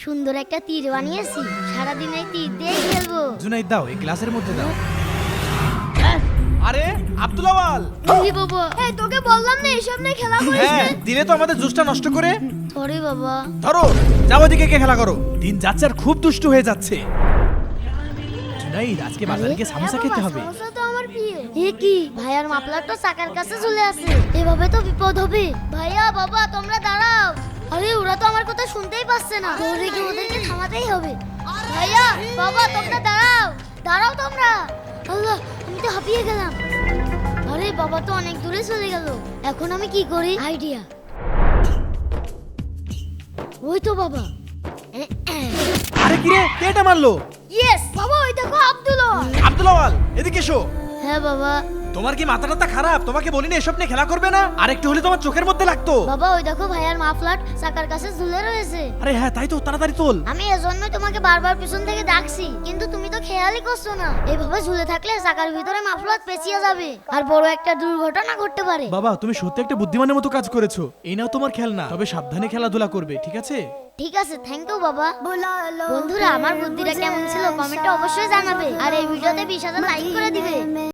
সুন্দর একটা তীর বানিয়েছি, সারাদিন এই তীর দিয়ে খেলবো। জুনাইদ দাও, এই গ্লাসের মধ্যে দাও। আরে আব্দুল আওয়াল, এই বাবা, এই তোকে বললাম না এসব নিয়ে খেলা করিস হ্যাঁ না। দিলে তো আমাদের জুসটা নষ্ট করে। সরি বাবা। ধরো, যাও ওদিকে কে খেলা করো। দিন যাচ্ছে আর খুব দুষ্টু হয়ে যাচ্ছে। জুনাইদ, আজকে বাজারে গিয়ে সামোসা খেতে হবে। সমস্যা তো আমার প্রিয়। এ কি, ভাইয়ার মাফলারটা চাকার কাছে চলে আসে, এভাবে তো বিপদ হবে। ভাইয়া বাবা তোমরা দাঁড়াও। আরে ওরা তো আমার কথা শুনতেই পাচ্ছে না, দৌড়ে গিয়ে ওদেরকে থামাতেই হবে। ভাইয়া বাবা তোমরা দাঁড়াও, দাঁড়াও তোমরা। আল্লাহ, আমি তো হাঁপিয়ে গেলাম। আরে বাবা তো অনেক দূরে চলে গেল, এখন আমি কি করি? আইডিয়া। ওই তো বাবা। আরে কি রে, কে এটা মারলো? ইয়েস বাবা, ওই দেখো আব্দুল্লাহ। আব্দুল আওয়াল, এদিকে এসো। হ্যাঁ বাবা। তোমার কি মাথা টাথা খারাপ? তোমাকে বলিনি এসব নিয়ে খেলা করবে না? আর একটু হলে তোমার চোখের মধ্যে লাগতো। বাবা ওই দেখো ভাইয়ার মাফলার চাকার কাছে ঝুলে রয়েছে। আরে হ্যাঁ তাই তো, তাড়াতাড়ি তোল। আমি এজন্যই তোমাকে বারবার পিছন থেকে ডাকছি, কিন্তু তুমি তো খেয়ালই করছো না। এইভাবে ঝুলে থাকলে চাকার ভিতরে মাফলার পেঁচিয়ে যাবে আর বড় একটা দুর্ঘটনা ঘটতে পারে। বাবা তুমি সত্যি একটা বুদ্ধিমানের মতো কাজ করেছো। এই নাও তোমার খেলনা, তবে সাবধানে খেলাধুলা করবে, ঠিক আছে? ঠিক আছে, থ্যাংক ইউ বাবা। বন্ধুরা, আমার বুদ্ধিটা কেমন ছিল কমেন্টে অবশ্যই জানাবে, আর এই ভিডিওতে 20,000 লাইক করে দিবে।